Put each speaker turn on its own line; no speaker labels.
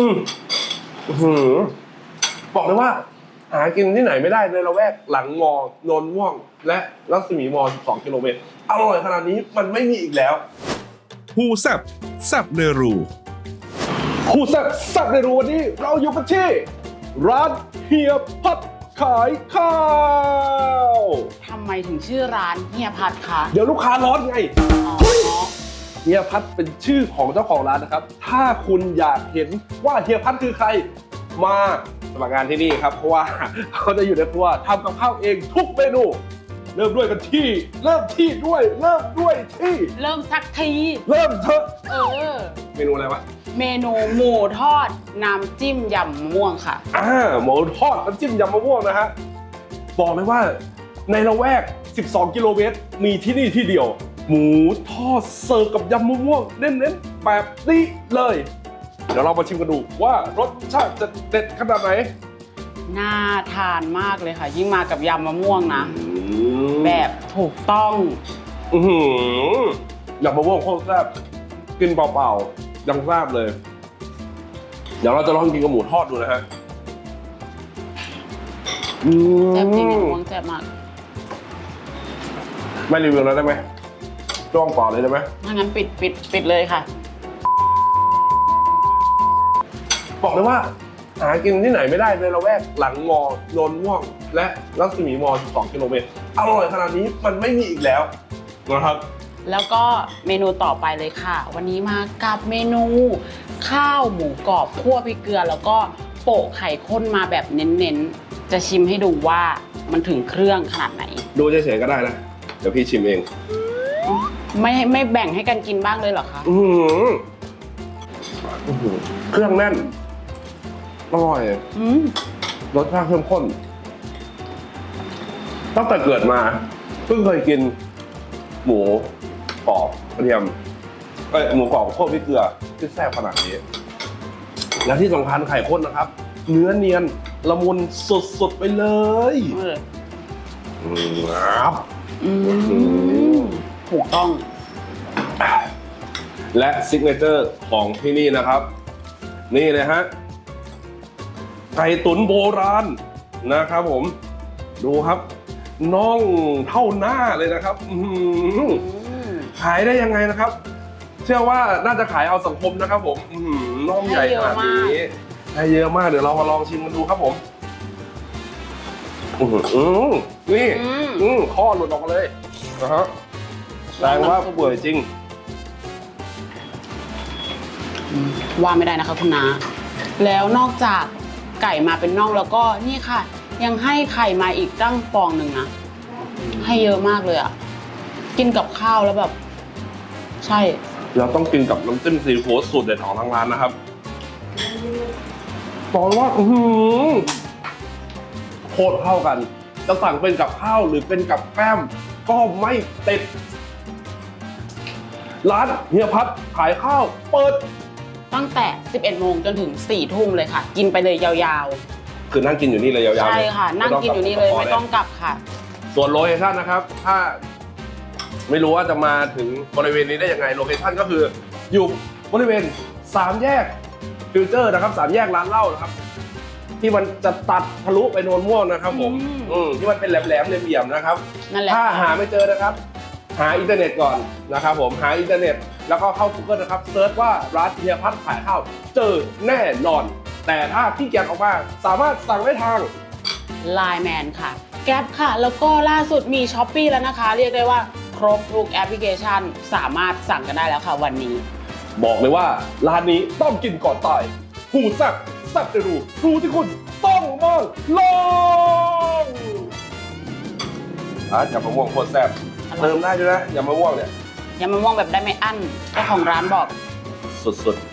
อืมบอกเลยว่าหากินที่ไหนไม่ได้ในละแวกหลังมอนนม่วงและรัศมีมอ12 กิโลเมตรอร่อยขนาดนี้มันไม่มีอีกแล้ว
ฮูแซบแซบเนรู
คู่แซ่บในรู้วันนี้เราอยู่กันที่ร้านเฮียพัดขายข้าว
ทำไมถึงชื่อร้านเฮียพัดคะ
เดี๋ยวลูกค้าร้อนไง
อ๋อ
เฮียพัดเป็นชื่อของเจ้าของร้านนะครับถ้าคุณอยากเห็นว่าเฮียพัดคือใครมาสมัครงานที่นี่ครับเพราะว่าเขาจะอยู่ในครัวทำกับข้าวเองทุกเมนูเริ่มด้วยที่เริ่ม
สักที
เริ่มเถอะ
เม
เมนูอะไรวะ
เมนูหมูทอดน้ำจิ้มยำมะม่วงค่ะ
หมูทอดน้ำจิ้มยำมะม่วงนะฮะบอกเลยว่าในละแวก12 กิโลเมตรมีที่นี่ที่เดียวหมูทอดเสิร์ฟกับยำมะม่วงเน้นๆแบบนี้เลยเดี๋ยวเรามาชิมกันดูว่ารสชาติจะเด็ดขนาดไหน
น่าทานมากเลยค่ะ ยิ่งมากับยำมะม่วงนะแบบถูกต้อง
ยำมะม่วงโคตรแซ่บกินเปล่าๆยังแซ่บเลยเดี๋ยวเราจะลองกินกับหมูทอดดูนะฮะ
แซ่บจริงมะม่วงแซ่บมาก
ไม่รีวิวแล้วได้ไหมจ้องเปล่าเลยได้ไหม
ถ้างั้นปิดเลยค่ะ
บอกเลยว่าหากินที่ไหนไม่ได้ในละแวกหลังมอนนม่วงและรัศมีม12 กิโลเมตรอร่อยขนาดนี้มันไม่มีอีกแล้วนะครับ
แล้วก็เมนูต่อไปเลยค่ะวันนี้มากับเมนูข้าวหมูกรอบคั่วพริกเกลือแล้วก็โปะไข่ข้นมาแบบเน้นๆจะชิมให้ดูว่ามันถึงเครื่องขนาดไหน
ดูเฉยๆก็ได้นะเดี๋ยวพี่ชิมเอง
ไม่แบ่งให้กันกินบ้างเลยเหรอคะ
เครื่องแน่นอร่อยรสชาติเข้มข้นตั้งแต่เกิดมาเพิ่งเคยกินหมูกรอบกระเทียมหมูกรอบคั่วพริกเกลือที่แซ่บขนาดนี้และที่สำคัญไข่ข้นนะครับเนื้อเนียนละมุนสุดๆไปเลยครับ
ถูกต้อง
และซิกเนเจอร์ของที่นี่นะครับนี่เลยฮะไก่ตุ๋นโบราณนะครับผมดูครับน่องเท่าหน้าเลยนะครับขายได้ยังไงนะครับเชื่อว่าน่าจะขายเอาสังคมนะครับผมน่องใหญ่ขนาดนี้ให้เยอะมากเดี๋ยวเรามาลองชิมกันดูครับผมนี่ข้อหลุดออกมาเลยนะฮะแสดงว่าเปื่อยจริง
ว่าไม่ได้นะคะคุณน้าแล้วนอกจากไก่มาเป็นน่องแล้วก็นี่ค่ะยังให้ไข่มาอีกตั้งฟองหนึ่งนะให้เยอะมากเลยอ่ะกินกับข้าวแล้วแบบใช่
เราต้องกินกับน้ำจิ้มซีฟู้ดสูตรเด็ดของทางร้านนะครับบอกว่าโคตรเข้ากันจะสั่งเป็นกับข้าวหรือเป็นกับแก้มก็ไม่ติดร้านเฮียพัดขายข้าวเปิด
ตั้งแต่ 11 โมงจนถึง 4 ทุ่มเลยค่ะกินไปเลยยาว
ๆคือนั่งกินอยู่นี่เลยยาวๆ
ใช่ค่ะนั่งกินอยู่นี่เลยไม่ต้องกลับค่ะ
ส่วนโลเคชั่นนะครับถ้าไม่รู้ว่าจะมาถึงบริเวณนี้ได้ยังไงโลเคชั่นก็คืออยู่บริเวณ3 แยกฟิวเจอร์นะครับ3 แยกร้านเหล้านะครับที่มันจะตัดทะลุไปโนนม่วงนะครับผมที่มันเป็นแหลมๆเหลี่ยมๆนะครับถ้าหาไม่เจอนะครับหาอินเทอร์เน็ตก่อนนะครับผมหาอินเทอร์เน็ตแล้วก็เข้า Google นะครับเซิร์ชว่าร้านเฮียพัดขายข้าวเจอแน่นอนแต่ถ้าขี้เกียจออกมาสามารถสั่งได้ทาง
Line Man ค่ะแก๊ปค่ะแล้วก็ล่าสุดมี Shopee แล้วนะคะเรียกได้ว่าครบทุกแอปพลิเคชันสามารถสั่งกันได้แล้วค่ะวันนี้
บอกเลยว่าร้านนี้ต้องกินก่อนตายหูแซ่บแซ่บจะรู้ที่คุณต้องมาลองยำมะม่วงโคตรแซ่บเติมได้ด้วยนะยำมะม่วงเนี่ย
ยำมะม่วงแบบได้ไม่อั้นเจ้าของร้านบอก
สุดๆ